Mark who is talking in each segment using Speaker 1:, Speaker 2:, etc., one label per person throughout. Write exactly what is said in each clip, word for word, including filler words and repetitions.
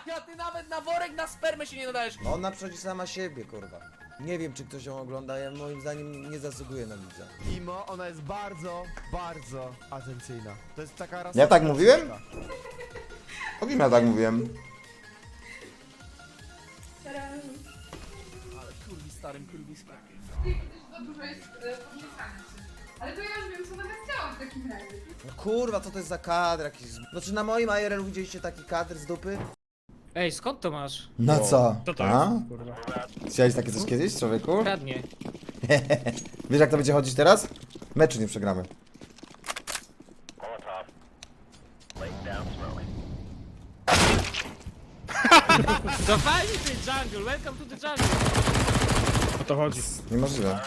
Speaker 1: A ty nawet na worek na spermę się nie nadajesz.
Speaker 2: No ona przychodzi sama siebie, kurwa. Nie wiem, czy ktoś ją ogląda, ja moim zdaniem nie zasługuje na widza.
Speaker 3: Imo, ona jest bardzo, bardzo atencyjna. To jest taka rasa...
Speaker 4: Ja tak mówiłem? O kim ja tak mówiłem?
Speaker 1: Ale kurwi starym kurwiskiem.
Speaker 5: Za dużo jest podniecania się. Ale to ja już wiem, co nawet chciałam w takim razie.
Speaker 2: No kurwa, co to jest za kadr jakiś... No czy na moim I R L widzieliście taki kadr z dupy?
Speaker 6: Ej, skąd to masz?
Speaker 4: Na co?
Speaker 6: To to
Speaker 4: A?
Speaker 6: jest, kurwa.
Speaker 4: Chciałeś takie coś kiedyś, człowieku?
Speaker 6: Kradnie.
Speaker 4: Wiesz jak to będzie chodzić teraz? Meczu nie przegramy.
Speaker 6: To fajnie ty jungle, welcome to the jungle.
Speaker 7: O to chodzi.
Speaker 4: Niemożliwe.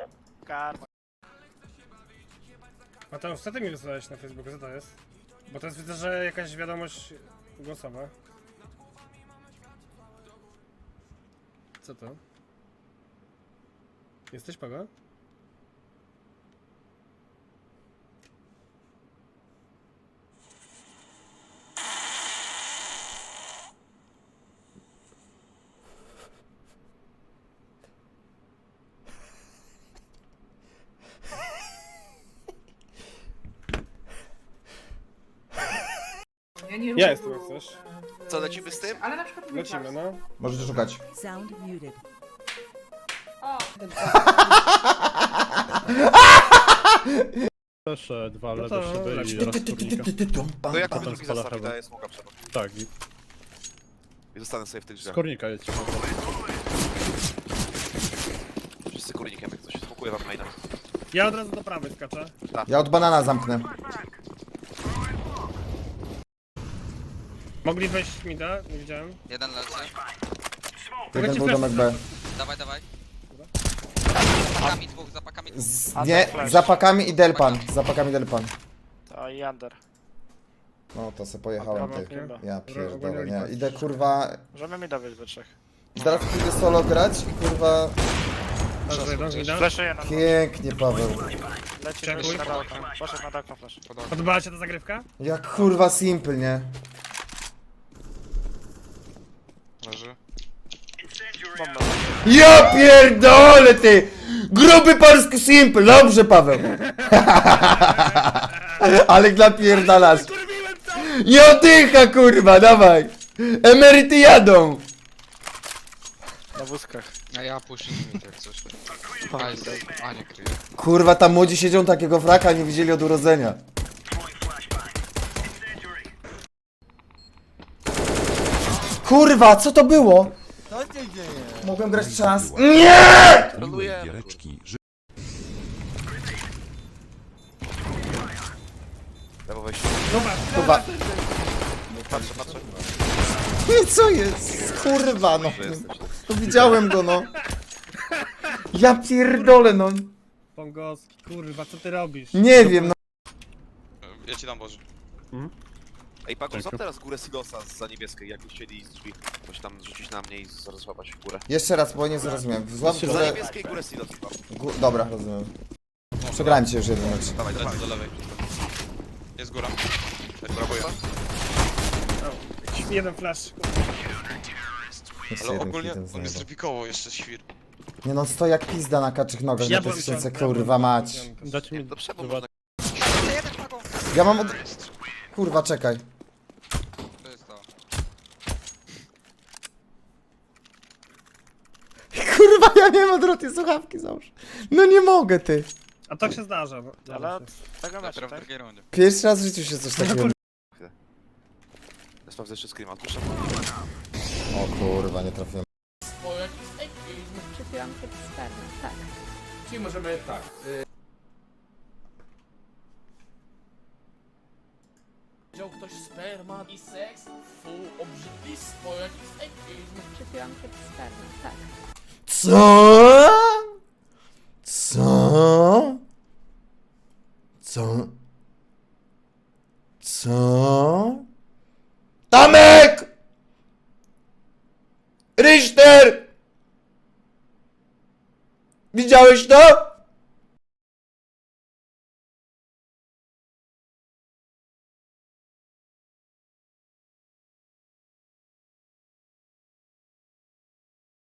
Speaker 7: Mateusz, co ty mi wysłałeś na Facebooku? Co to jest? Bo teraz widzę, że jakaś wiadomość głosowa. Co to? Jesteś Pago?
Speaker 5: Ja nie
Speaker 7: Ja jestem jak chcesz.
Speaker 8: Co, lecimy z tym?
Speaker 5: Ale na przykład mój
Speaker 7: Lecimy,
Speaker 5: czas.
Speaker 7: no.
Speaker 4: Możecie szukać.
Speaker 9: Sound muted.
Speaker 5: O,
Speaker 7: Proszę, dwa
Speaker 3: No
Speaker 7: lewe
Speaker 3: to
Speaker 7: szyby
Speaker 3: lecz.
Speaker 7: i raz kurnika.
Speaker 8: To jak
Speaker 7: Potem
Speaker 8: on drugi
Speaker 7: spala
Speaker 8: zestaw
Speaker 7: heaven.
Speaker 8: daje smoka przed.
Speaker 7: Tak, i
Speaker 8: I zostanę sobie w tych
Speaker 7: z
Speaker 8: drzwiach.
Speaker 7: kornika jedź.
Speaker 8: Wszyscy kurnikiem jak coś. Smokuję wam maina.
Speaker 7: Ja od razu do prawej skaczę.
Speaker 4: Ja od banana zamknę.
Speaker 7: Mogli wejść mi da? Nie widziałem.
Speaker 10: Jeden leży.
Speaker 4: Jeden był domek B.
Speaker 10: Dawaj, dawaj. Za pakami dwóch, za pakami dwóch.
Speaker 4: Z, nie, za pakami i delpan. Za pakami delpan.
Speaker 3: To i under.
Speaker 4: No to se pojechałem ty.
Speaker 7: Chyba.
Speaker 4: Ja pierdolę,
Speaker 7: Ogólnie
Speaker 4: nie. Idę kurwa...
Speaker 3: Możemy mi dawać we trzech.
Speaker 4: Zaraz pójdę solo grać i kurwa...
Speaker 7: Leży jeden, widać.
Speaker 3: Flashuję na
Speaker 4: Pięknie, Paweł.
Speaker 3: Leci
Speaker 7: Czekuj.
Speaker 3: wyjść na daleko. Poszedł na daleko flash.
Speaker 7: Podobała się ta zagrywka?
Speaker 4: Jak kurwa simple, nie?
Speaker 8: Leży.
Speaker 3: Bomba.
Speaker 4: Ja pierdolę ty! Gruby polski simple, dobrze Paweł. Ale napierdalasz. Nie oddycha kurwa, dawaj. Emeryty jadą.
Speaker 3: Na wózkach.
Speaker 10: A ja puszczę mi jak coś. A, jest, a nie kryje.
Speaker 4: Kurwa, tam młodzi siedzą takiego fraka, nie widzieli od urodzenia. Kurwa, co to było?
Speaker 2: Co się dzieje?
Speaker 4: Mogłem grać czas. Nie!
Speaker 8: Troluję. Lewo wejście.
Speaker 4: Kurwa,
Speaker 8: Patrzę, patrzę.
Speaker 4: nie, co jest? Kurwa, no.
Speaker 8: Że jesteś.
Speaker 4: To widziałem go, no. Ja pierdolę, no.
Speaker 7: Pongowski, kurwa, co ty robisz?
Speaker 4: Nie wiem, no.
Speaker 8: Ja ci dam Boże.
Speaker 7: Mhm.
Speaker 8: Ej, Pago,
Speaker 7: Dziękuję.
Speaker 8: złap teraz górę silosa za niebieskiej, jak chcieli z drzwi. Coś tam rzucić na mnie i zaraz złapać w górę.
Speaker 4: Jeszcze raz, bo nie zrozumiałem. Złap
Speaker 8: Za
Speaker 4: górę.
Speaker 8: niebieskiej górę silos chyba.
Speaker 4: Gó- Dobra, rozumiem. Przegrałem cię już jeden mecz.
Speaker 8: Dawaj, dawaj.
Speaker 10: Do lewej. Jest góra.
Speaker 8: Brawo, ja.
Speaker 7: Jeden flash.
Speaker 4: Jeszcze
Speaker 10: Ale
Speaker 4: jeden
Speaker 10: ogólnie
Speaker 4: hitem
Speaker 10: on
Speaker 4: znajdę.
Speaker 10: jest trupikowo jeszcze świr.
Speaker 4: Nie no, stoi jak pizda na kaczych nogach,
Speaker 7: Ja
Speaker 4: na
Speaker 7: byłem
Speaker 4: tysiące,
Speaker 7: ciągle-
Speaker 4: kurwa mać.
Speaker 7: Dacie mi
Speaker 8: Do przebu
Speaker 7: dwa.
Speaker 8: można.
Speaker 10: Jeden pagą.
Speaker 4: Ja mam od... Kurwa, czekaj.
Speaker 10: To jest to.
Speaker 4: Kurwa, ja nie mam odwrotnie słuchawki, załóż. No nie mogę, ty.
Speaker 7: A tak się zdarza. No.
Speaker 3: Ale
Speaker 7: Zdarza
Speaker 3: od
Speaker 7: się.
Speaker 3: tego meczu,
Speaker 10: Dopiero w
Speaker 3: tak?
Speaker 10: drugiej rundzie.
Speaker 4: Pierwszy raz w życiu się coś takiego...
Speaker 8: Ja sprawdzę jeszcze screama, odpuszczam.
Speaker 4: O kurwa, nie trafiłem.
Speaker 1: O, jakiś ekizm.
Speaker 5: Przypiłam się w spermę, tak.
Speaker 1: Czyli możemy tak. Y... Wziął ktoś sperma i seks? Fu, obrzydlistwo, jakiś ekizm.
Speaker 5: Przypiłam się w spermę, tak.
Speaker 4: Co? Co? Co? Co? Tamek! Richter! Widziałeś to?